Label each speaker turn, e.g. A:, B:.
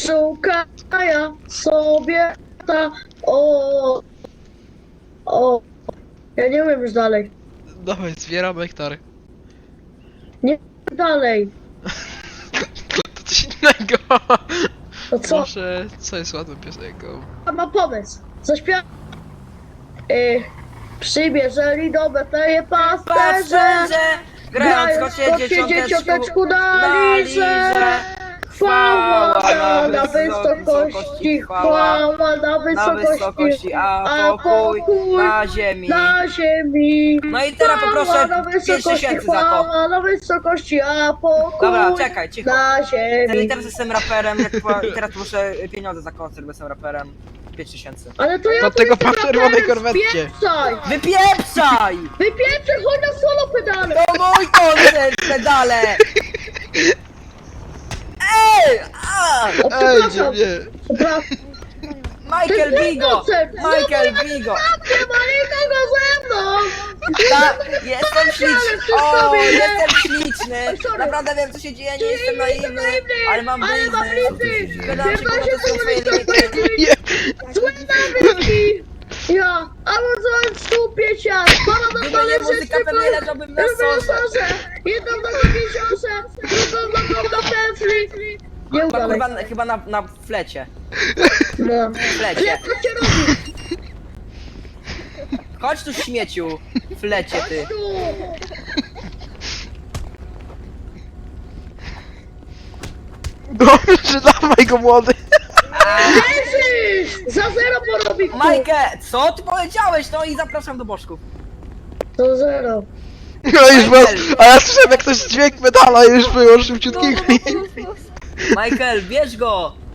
A: szukaja sobie ta o. Ja nie umiem już dalej.
B: Dawaj, zbieramy hektary.
A: Nie dalej.
B: To coś innego.
A: To co?
B: Może, co jest ładną piosenką?
A: Ma pomysł. Zaśpiewa. Przybierzeli do Betleje pasterze.
C: Pasterze, grając kocie dzieciąteczku
A: na liże. Chwała na wysokości, chwała na wysokości,
C: a pokój na ziemi.
A: na ziemi.
C: No i teraz poproszę 5000 za to.
A: Chwała na wysokości, a pokój
C: Dobra, czekaj, cicho.
A: na ziemi.
C: I teraz jestem raperem, i teraz proszę pieniądze za koncert, bo jestem raperem. 5000.
A: Ale to ja
B: Od
A: tu
B: tego
A: jestem
B: po czerwonej
A: raperem,
B: korwetcie.
A: spieprzaj!
C: Wypieprzaj!
A: Wypieprzaj, chodź na solo pedale!
C: To mój koncert, pedale! Ej! A!
A: O,
B: Ej,
A: przepraszam,
B: nie.
A: przepraszam.
C: Michael Bigo! Michael Bigo!
A: Nie ma nikogo ze mną!
C: Jestem śliczny! O, jestem śliczny! Naprawdę wiem co się dzieje, nie jestem naiwny, ale mam blizny! Wydam się ponad swoje limity!
A: Złe nawyki! Ja, a może stupię cię! Pana na
C: Gdyby nie muzyka, pewnie leżałbym na sorze!
A: Jedną nogą w jeziorze, drugą nogą na pętli! Nie
C: Chyba,
A: udalej.
C: chyba na flecie.
A: No.
C: Flecie.
A: Co cię robi?
C: Chodź tu śmieciu! Flecie ty!
A: Chodź tu!
B: Dobrze, dawaj go młody.
A: Leżysz! Za zero porobi kół!
C: Majkę, co ty powiedziałeś? No i zapraszam do bożków.
A: To zero.
B: No już was, a ja słyszałem jak ktoś dźwięk medala już było szybciutkiego.
C: Michael, bierz go!